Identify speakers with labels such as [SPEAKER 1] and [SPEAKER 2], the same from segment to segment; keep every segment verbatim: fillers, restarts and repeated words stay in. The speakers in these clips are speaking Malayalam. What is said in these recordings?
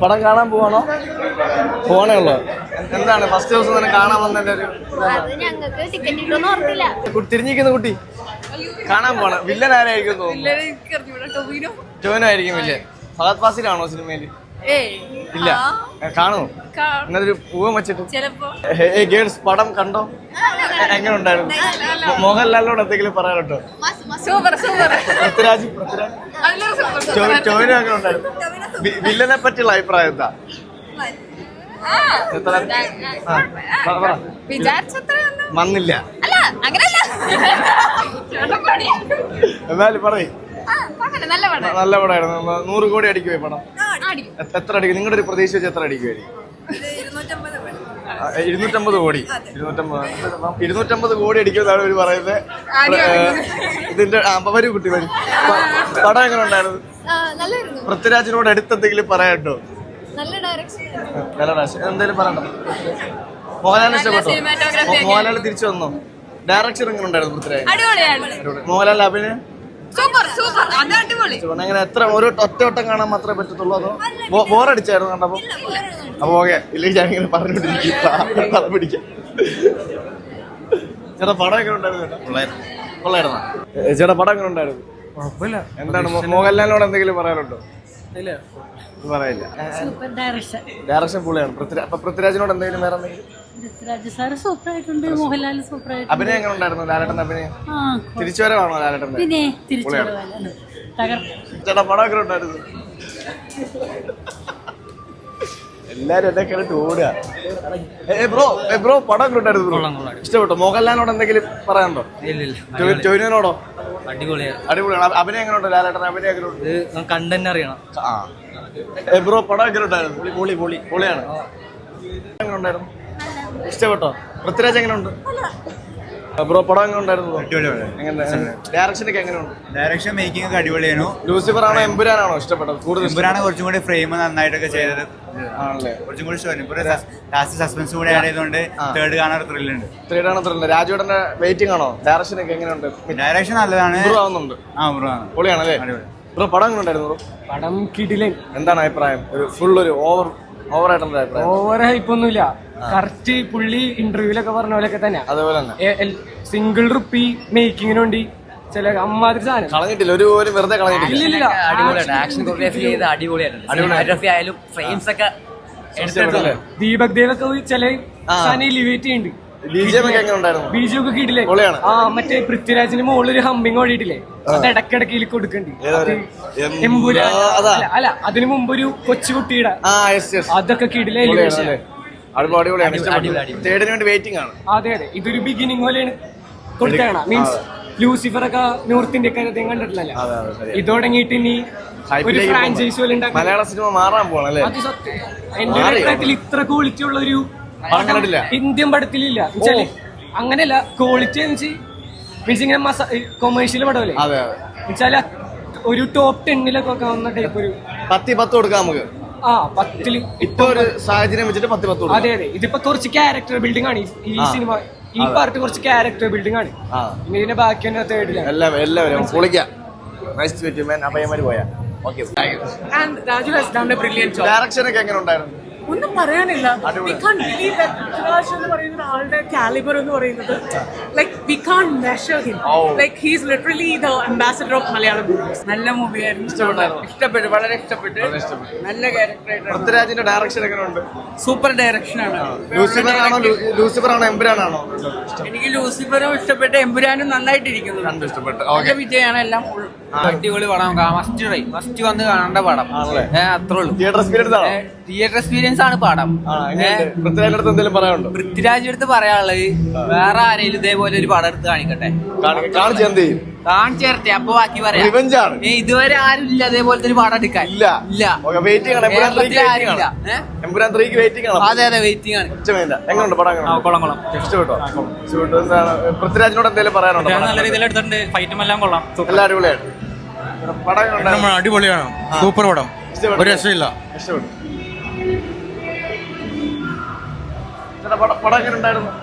[SPEAKER 1] പടം കാണാൻ പോവാണോ? പോണേ ഉള്ളു. എന്താണ് ഫസ്റ്റ് ദിവസം തന്നെ കാണാൻ വന്നതിന്റെ ഒരു തിരിഞ്ഞിരിക്കുന്ന കുട്ടി കാണാൻ പോണ വില്ലൻ ആരായിരിക്കും തോന്നുന്നു? ടോവിനോ വില്ലൻ. ഫഹദ് ഫാസിലാണോ സിനിമയില്? ഇല്ല. കാണുമോ? എന്നൊരു പൂവം വെച്ചിട്ട് ഗേൾസ് പടം കണ്ടോ? എങ്ങനെ ഉണ്ടായിരുന്നു? മോഹൻലാലിനോട് എന്തെങ്കിലും പറയാനുണ്ടോ? പൃഥ്വിരാജ് പൃഥ്വിരാജ് ടോവിനോ എങ്ങനെ ഉണ്ടായിരുന്നു? വില്ലനെ പറ്റിയുള്ള അഭിപ്രായം എന്താ? വന്നില്ല എന്നാലും പറയും. നല്ല പടമായിരുന്നു. നൂറ് കോടി അടിക്കുവേ പടം? എത്ര അടിക്കും? നിങ്ങളുടെ ഒരു പ്രതീക്ഷ വെച്ച് എത്ര അടിക്കുമായിരിക്കും? ഇരുന്നൂറ്റമ്പത് കോടി ഇരുന്നൂറ്റമ്പത് ഇരുന്നൂറ്റമ്പത് കോടി അടിക്കുമെന്നാണ് ഇവര് പറയുന്നത്. ഇതിന്റെ വരൂ കുട്ടി വരും. പടം എങ്ങനെ ഉണ്ടായിരുന്നു? പൃഥ്വിരാജിനോട് അടുത്തെന്തെങ്കിലും പറയാനുണ്ടോ? നല്ല ഡയറക്ഷൻ. എന്തെങ്കിലും പറയണ്ടോ? മോഹൻലാലിന് ഇഷ്ടപ്പെട്ടോ? മോഹൻലാൽ തിരിച്ചു വന്നോ? ഡയറക്ഷൻ എങ്ങനെ ഉണ്ടായിരുന്നു പൃഥ്വിരാജ്? മോഹൻലാൽ അഭിനയം അങ്ങനെ എത്ര ഒരു ഒറ്റ വട്ടം കാണാൻ മാത്രമേ പറ്റത്തുള്ളൂ? അതോ ബോറടിച്ചായിരുന്നു കണ്ടപ്പോ? അപ്പൊ ഓക്കെ, ഇല്ലെങ്കിൽ ഞാൻ ഇങ്ങനെ പറഞ്ഞോണ്ടിരിക്കും പിടിക്കാം. ചേട്ടാ പടം എങ്ങനെ ഉണ്ടായിരുന്നു? കൊള്ളായിരുന്നോ? ചേട്ടാ പടം എങ്ങനെ ഉണ്ടായിരുന്നു? എന്താണ് മോഹൻലാലിനോട് എന്തെങ്കിലും പറയാനുണ്ടോ? പറയില്ല. ഡയറക്ഷൻ പുള്ളിയാണ്. പൃഥ്വിരാജിനോട് എന്തെങ്കിലും വേറെ എന്തെങ്കിലും? അഭിനയം എങ്ങനെ ഉണ്ടായിരുന്നു? ലാലേട്ടന്റെ അഭിനയം തിരിച്ചു വരവാണോ ലാലേട്ടന്റെ? ചേട്ടാ പടം എങ്ങനെ ഉണ്ടായിരുന്നു? എല്ലാരും എന്നെ കേട്ട് ഓടുക. ബ്രോ ബ്രോ പടം എങ്ങനെ ഉണ്ടായിരുന്നു? ഇഷ്ടപ്പെട്ടോ? മോഹൻലാലിനോട് എന്തെങ്കിലും പറയാനുണ്ടോ? ടോവിനോടോ? അടിപൊളിയാണ്. അഭിനയം എങ്ങനെ ഉണ്ട്? ലാലേട്ടൻ അഭിനയം എങ്ങനെ ഉണ്ട്? കണ്ടന്റ് അറിയണം. ബ്രോ പടം എങ്ങനെ ഉണ്ടായിരുന്നു? പൊളി പൊളി പൊളിയാണ്. എങ്ങനെ ഉണ്ടായിരുന്നു? ഇഷ്ടപ്പെട്ടോ? പൃഥ്വിരാജ് എങ്ങനെ ഉണ്ട്? ബ്രോ പടം എങ്ങനെ ഉണ്ടായിരുന്നു? ഡയറക്ഷനൊക്കെ എങ്ങനെയുണ്ട്? ഡയറക്ഷൻ മേക്കിംഗ് ഒക്കെ അടിപൊളിയാണോ? ലൂസിഫർ ആണോ എമ്പുരാനാണോ ഇഷ്ടപ്പെട്ടത് കൂടുതൽ? എമ്പുരാണ് കുറച്ചും കൂടി ഫ്രെയിം നന്നായിട്ടൊക്കെ ചെയ്തത് ആണല്ലേ? കുറച്ചും കൂടി ലാസ്റ്റ് സസ്പെൻസ് കൂടി ആഡ് ചെയ്തുകൊണ്ട് തേർഡ് കാണാൻ ത്രില്ലുണ്ട്. തേർഡ് ആണ് ത്രില്ല്. രാജുവേട്ടന്റെ വെയിറ്റിംഗ് ആണോ? ഡയറക്ഷനൊക്കെ എങ്ങനെയുണ്ട്? ഡയറക്ഷൻ നല്ലതാണ്. ആവുന്നുണ്ട്. ആ ബ്രോ പൊളിയാണല്ലേ? ബ്രോ പടം എങ്ങനെ ഉണ്ടായിരുന്നു? ബ്രോ പടം കിടിലൻ. എന്താണ് അഭിപ്രായം? ഒരു ഫുൾ ഒരു ഓവർ ഓവർ ആയിട്ടുള്ള അഭിപ്രായം? ഓവർ ഹൈപ്പൊന്നുമില്ല. കറക്റ്റ് പുള്ളി ഇന്റർവ്യൂലൊക്കെ പറഞ്ഞ പോലെയൊക്കെ തന്നെ. അതുപോലെ തന്നെ സിംഗിൾ റുപ്പി മേക്കിങ്ങിന് വേണ്ടി ചില അമ്മാതിരി സാധനം കളഞ്ഞിട്ടില്ല. ഒരു പോലും വെറുതെ കളഞ്ഞിട്ടില്ല. അടിപൊളിയാണ്. ആക്ഷൻ കൊറിയോഗ്രാഫി ചെയ്ത് അടിപൊളിയായിരുന്നു. ഫ്രെയിംസ് ഒക്കെ ദീപക് ദേവൊക്കെ ചില സാധനം എലിവേറ്റ് ചെയ്യുന്നുണ്ട്. ബിജു ഒക്കെ കിട്ടില്ലേ? ആ മറ്റേ പൃഥ്വിരാജിന് മുകളിലൊരു ഹമ്മിങ് ഓടിയിട്ടില്ലേ? അത് ഇടക്കിടക്ക് കൊടുക്കണ്ട്. അല്ല അതിനു മുമ്പ് ഒരു കൊച്ചുകുട്ടിയുടെ അതൊക്കെ കിടിലേ. അതെ അതെ, ഇതൊരു ബിഗിനിങ് പോലെയാണ് കൊടുത്തേക്കണം. മീൻസ് ലൂസിഫർ ഒക്കെ നോർത്ത് ഇന്ത്യക്കാരെ കണ്ടിട്ടില്ലല്ലോ. ഇത് തുടങ്ങിയിട്ട് ഇനി ഒരു ഫ്രാഞ്ചൈസ് പോലെ മലയാള സിനിമ മാറാൻ പോകണം. അത് സത്യം. എന്റെ അഭിപ്രായത്തിൽ ഇത്ര ക്വാളിറ്റി ഉള്ള ഒരു ഇന്ത്യൻ പടത്തിലില്ല. അങ്ങനെയല്ല, ക്വാളിറ്റി മീൻസ് ഇങ്ങനെ കൊമേഴ്ഷ്യൽ പടമല്ലേ എന്നുവെച്ചാല് ഒരു ടോപ്പ് ടെന്നിലൊക്കെ വന്ന ടൈപ്പ് ഒരു പത്തി പത്ത് കൊടുക്കാം നമുക്ക്. ആ പത്തില് ഇപ്പൊ ഒരു സാഹചര്യം വെച്ചിട്ട് പത്ത് പത്ത്. അതെ അതെ, ഇതിപ്പോ കുറച്ച് ക്യാരക്ടർ ബിൽഡിംഗ് ആണ് ഈ സിനിമ. ഈ പാർട്ട് കുറച്ച് ക്യാരക്ടർ ബിൽഡിംഗ് ആണ്. ഇനി ഇതിന്റെ ബാക്കി തന്നെ തേർഡിലാണ്. എല്ലാവരും എല്ലാവരും പൊളിക്കാം. ഡയറക്ഷൻ ഒക്കെ എങ്ങനെ ഉണ്ടായിരുന്നു?
[SPEAKER 2] ഒന്നും പറയാനില്ല. We can't believe that Prithviraj എന്ന് പറയുന്ന ആളുടെ കാലിബർ എന്ന് പറയുന്നത് like we can't measure him. Like he is literally the ambassador of Malayalam movies. നല്ല മൂവിയായിരുന്നു. ഇഷ്ടപ്പെട്ടായിരുന്നു? ഇഷ്ടപ്പെട്ടു, വളരെ ഇഷ്ടപ്പെട്ടു. നല്ല ക്യാരക്ടർ ആയിട്ട്.
[SPEAKER 1] പൃഥ്വിരാജിന്റെ ഡയറക്ഷൻ എങ്ങനെയുണ്ട്?
[SPEAKER 2] സൂപ്പർ ഡയറക്ഷൻ ആണ്.
[SPEAKER 1] ലൂസിഫർ ആണോ ലൂസിഫർ ആണോ എമ്പുരാനാണോ?
[SPEAKER 2] എനിക്ക് ലൂസിഫറും ഇഷ്ടപ്പെട്ടു, എമ്പുരാനും നന്നായിട്ടിരിക്കുന്നു.
[SPEAKER 1] കണ്ടു ഇഷ്ടപ്പെട്ടു.
[SPEAKER 2] ഓക്കെ, വിജയാണ് എല്ലാം. ഫുൾ അടിപൊളി പടം. മസ്റ്റ് ട്രൈ, മസ്റ്റ് വന്ന് കാണേണ്ട പടം. അത്രേ ഉള്ളൂ. തിയേറ്റർ എക്സ്പീരിയൻസ് ആണോ? തിയേറ്റർ എക്സ്പീരിയൻസ് ആണ് പടം. പൃഥ്വിരാജിന്റെ അടുത്ത് എന്തെങ്കിലും പറയാനുണ്ടോ? പൃഥ്വിരാജിന്റെ അടുത്ത് പറയാനുള്ളത് വേറെ ആരെങ്കിലും ഇതേപോലെ ഒരു പടം എടുത്ത് കാണിക്കട്ടെ. കാണിച്ചേരട്ടെ, അപ്പൊ ബാക്കി പറയാം. ഇതുവരെ ആരും ഇല്ല അതേപോലത്തെ ഒരു പടം എടുക്കാൻ. ഇല്ല ഇല്ല. അതെ അതെ, വെയിറ്റിംഗ് ആണ്.
[SPEAKER 1] പൃഥ്വിരാജിനോട് എന്തെങ്കിലും പറയാനുണ്ടോ?
[SPEAKER 3] നല്ല രീതിയിൽ എടുത്തിട്ടുണ്ട്. ഫൈറ്റും എല്ലാം കൊള്ളാം.
[SPEAKER 1] എല്ലാം അടിപൊളിയാണ്.
[SPEAKER 3] അടിപൊളിയാണ്. സൂപ്പർ പടം. ഒരു രക്ഷയില്ല.
[SPEAKER 1] ഇഷ്ടപ്പെട്ടു. പടം എങ്ങനെ ഉണ്ടായിരുന്നു?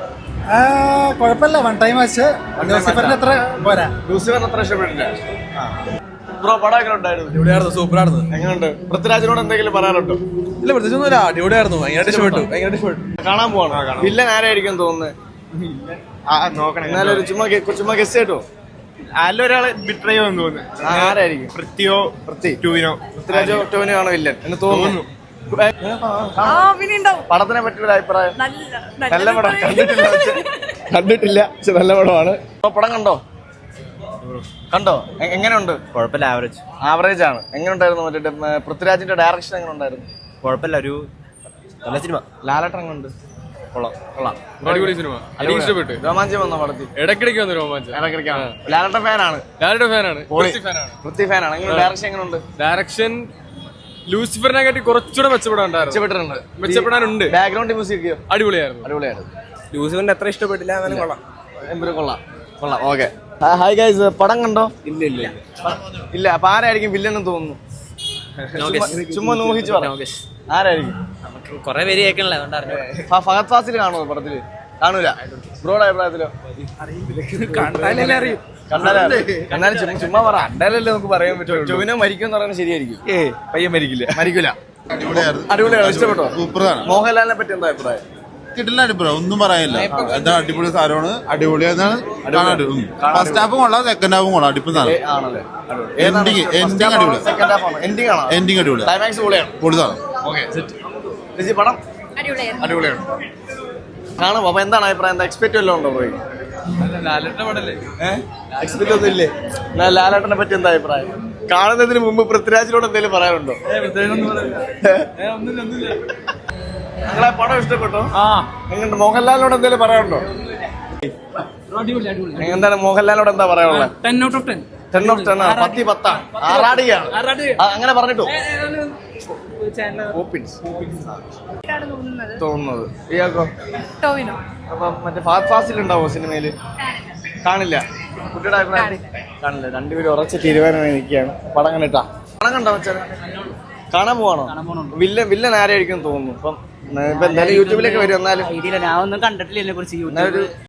[SPEAKER 4] കുഴപ്പമില്ല. വൺ ടൈം വെച്ച് ലൂസിഫറിന് അത്ര പോരാ.
[SPEAKER 1] ലൂസിഫറിന് അത്ര ഇഷ്ടപ്പെട്ടില്ല. ബ്രോ പടം എങ്ങനെ ഉണ്ടായിരുന്നു?
[SPEAKER 4] അടിപൊളിയായിരുന്നു, സൂപ്പറായിരുന്നു.
[SPEAKER 1] എങ്ങനെയുണ്ട്? പൃഥ്വിരാജിനോട് എന്തെങ്കിലും പറയാനുണ്ടോ?
[SPEAKER 4] ഇല്ല, പ്രത്യേകിച്ചൊന്നുമില്ല, അടിപൊളിയായിരുന്നു. ഭയങ്കരമായിട്ട് ഇഷ്ടപ്പെട്ടു, ഭയങ്കരമായിട്ട് ഇഷ്ടപ്പെട്ടു.
[SPEAKER 1] കാണാൻ പോവാണ്. വില്ലൻ ആരായിരിക്കും തോന്നുന്നത്? എന്നാലും ഒരു ചുമ്മാ ഗെ- ചുമ്മാ ഗസ് കേട്ടോ.
[SPEAKER 5] അല്ലൊരാള് ബിട്രയോ എന്ന് തോന്നുന്നു.
[SPEAKER 1] ആരായിരിക്കും?
[SPEAKER 5] പൃഥ്വിയോ
[SPEAKER 1] പൃഥ്വി
[SPEAKER 5] ടൂവിനോ
[SPEAKER 1] പൃഥ്വിരാജോ ടോവിനോ ആണോ വില്ലൻ എന്ന് തോന്നുന്നു.
[SPEAKER 2] ആ പിന്നെ ഉണ്ടാവും.
[SPEAKER 1] പടത്തിനെ പറ്റിയൊരു അഭിപ്രായം?
[SPEAKER 2] നല്ല
[SPEAKER 1] നല്ല പടം. കണ്ടിട്ടില്ല പക്ഷെ കണ്ടിട്ടില്ല പക്ഷെ നല്ല പടമാണ്. ഇപ്പൊ പടം കണ്ടോ? കണ്ടോ? എ- എങ്ങനെയുണ്ട്?
[SPEAKER 5] കുഴപ്പമില്ല, ആവറേജ്
[SPEAKER 1] ആവറേജ് ആണ്. എങ്ങനെ ഉണ്ടായിരുന്നു? മറ്റേ ഉം, പൃഥ്വിരാജിന്റെ ഡയറക്ഷൻ എങ്ങനെ ഉണ്ടായിരുന്നു?
[SPEAKER 5] കുഴപ്പമില്ല, ഒരു നല്ല സിനിമ.
[SPEAKER 1] ലാലേട്ടൻ എങ്ങനെയുണ്ട്? കൊള്ളാം കൊള്ളാം.
[SPEAKER 4] അടിപൊളി സിനിമ, എനിക്ക് ഇഷ്ടപ്പെട്ടു.
[SPEAKER 1] രോമാഞ്ചം വന്ന പടത്തിൽ
[SPEAKER 4] ഇടയ്ക്കിടയ്ക്ക് വന്നു രോമാഞ്ചം.
[SPEAKER 1] ഇടയ്ക്കിടയ്ക്കാണ്. ലാലേട്ടൻ ഫാനാണ്.
[SPEAKER 4] ഞാനൊരു ഫാനാണ്,
[SPEAKER 1] പൊളി.
[SPEAKER 4] ഫാനാണ്.
[SPEAKER 1] പൃഥ്വി ഫാനാണ്. എങ്ങനെ ഡയറക്ഷൻ എങ്ങനെയുണ്ട്?
[SPEAKER 4] ഡയറക്ഷൻ ലൂസിഫറിനെ കാട്ടി കുറച്ചുകൂടെ മെച്ചപ്പെടാണ്ടായിരുന്നു.
[SPEAKER 1] മെച്ചപ്പെട്ടിട്ടുണ്ട്.
[SPEAKER 4] മെച്ചപ്പെടാനുണ്ട്.
[SPEAKER 1] ബാക്ക്ഗ്രൗണ്ട് മ്യൂസിക്
[SPEAKER 4] അടിപൊളിയായിരുന്നു.
[SPEAKER 1] അടിപൊളിയായിരുന്നു.
[SPEAKER 5] ലൂസിഫറിന് അത്ര ഇഷ്ടപ്പെട്ടില്ല, എന്നാലും കൊള്ളാം.
[SPEAKER 1] എമ്പുരു കൊള്ളാം കൊള്ളാം. ഓക്കെ. ഹായ് ഗൈസ്, പടം കണ്ടോ?
[SPEAKER 5] ഇല്ല ഇല്ല
[SPEAKER 1] ഇല്ല. അപ്പൊ ആരായിരിക്കും വില്ലൻ എന്ന് തോന്നുന്നു? ചുമ്മാ- ചുമ്മാ നോഹിച്ച് പറ. ആരായിരിക്കും?
[SPEAKER 3] കൊറേ പേര് കേൾക്കണല്ലേ, അതുകൊണ്ടറിഞ്ഞു.
[SPEAKER 1] ഫ- ഫഹദ് ഫാസിൽ കാണുമോ പടത്തില്? കാണൂല. ബ്രോയുടെ അഭിപ്രായത്തിലോ?
[SPEAKER 5] കണ്ടാലല്ലേ അറിയും.
[SPEAKER 1] കണ്ടാലേ കണ്ടാലും ചുമ്മാ ചുമ്മാ പറ. കണ്ടാലല്ലേ നമുക്ക് പറയാൻ പറ്റും. ചൊവ്വനെ മരിക്കും എന്ന് പറയുന്നത് ശരിയായിരിക്കും.
[SPEAKER 5] ഏ പയ്യൻ മരിക്കില്ല.
[SPEAKER 1] മരിക്കൂല.
[SPEAKER 6] അടിപൊളിയായിരുന്നു.
[SPEAKER 1] അടിപൊളിയാണ്. ഇഷ്ടപ്പെട്ടോ?
[SPEAKER 6] സൂപ്പറാണ്.
[SPEAKER 1] മോഹൻലാലിനെ പറ്റി എന്താ അഭിപ്രായം?
[SPEAKER 6] കിട്ടില്ല, അടിപൊളി, ഒന്നും പറയാനില്ല. എന്താ അടിപൊളി സാധനമാണ്, അടിപൊളിയാണ്. ഫസ്റ്റ് ഹാഫും കൊള്ളാം, സെക്കൻഡ് ഹാഫും കൊള്ളാം. അടിപൊളി സാധനം.
[SPEAKER 1] ഏ, ആണല്ലേ? അടിപൊളി.
[SPEAKER 6] Ending- ending അടിപൊളി.
[SPEAKER 1] സെക്കൻഡ് ഹാഫ് ആണോ? എൻഡിങ് ആണോ?
[SPEAKER 6] എൻഡിങ് അടിപൊളി,
[SPEAKER 1] ക്ലൈമാക്സ് പൊളിയാണ്.
[SPEAKER 6] പൊളി സാധനം.
[SPEAKER 1] Okay, set. ചേച്ചി പടം അടിപൊളിയാണ്. കാണും. അപ്പൊ എന്താണ് അഭിപ്രായം? എന്താ എക്സ്പെക്ട് വല്ലതും ഉണ്ടോ പോയി?
[SPEAKER 4] ലാലേട്ടന്റെ പടല്ലേ?
[SPEAKER 1] എക്സ്പെക്ട് ഒന്നും ഇല്ലേ? എന്നാ ലാലേട്ടനെ പറ്റി എന്താ അഭിപ്രായം? കാണുന്നതിന് മുമ്പ് പൃഥ്വിരാജിനോട് എന്തെങ്കിലും പറയാനുണ്ടോ? നിങ്ങളെ പടം ഇഷ്ടപ്പെട്ടോ? എങ്ങനെ മോഹൻലാലിനോട് എന്തെങ്കിലും പറയാനുണ്ടോ? എന്താണ് മോഹൻലാലിനോട് എന്താ പറയാനുള്ളത്?
[SPEAKER 2] Ten out of ten.
[SPEAKER 1] Ten of ten ആണ്. പത്തി പത്താണ്. ആറാടിയാണ്. ആ, അങ്ങനെ പറഞ്ഞിട്ടോ തോന്നുന്നത്. ഇയാൾക്കോ?
[SPEAKER 2] ടോവിനോ.
[SPEAKER 1] അപ്പൊ മറ്റേ ഫാസ്റ്റ് ഫാസ്റ്റിൽ ഉണ്ടാവോ സിനിമയില്? കാണില്ല. കുട്ടിയുടെ അഭിപ്രായം കാണില്ല. രണ്ടുപേരും ഉറച്ച തീരുമാനമായി നിൽക്കുകയാണ്. പടം കണ്ടിട്ടാ? പടം കണ്ടോ വെച്ചാൽ കാണാൻ പോവാണോ? വില്ലൻ വില്ലൻ ആരായിരിക്കും തോന്നുന്നു? ഇപ്പം ഇപ്പൊ എന്തായാലും യൂട്യൂബിലൊക്കെ വരും. എന്നാലും
[SPEAKER 3] ഐഡിയ ഞാൻ ഒന്നും കണ്ടിട്ടില്ല ഇതിനെ കുറിച്ച്.
[SPEAKER 1] എന്നാലും ഒരു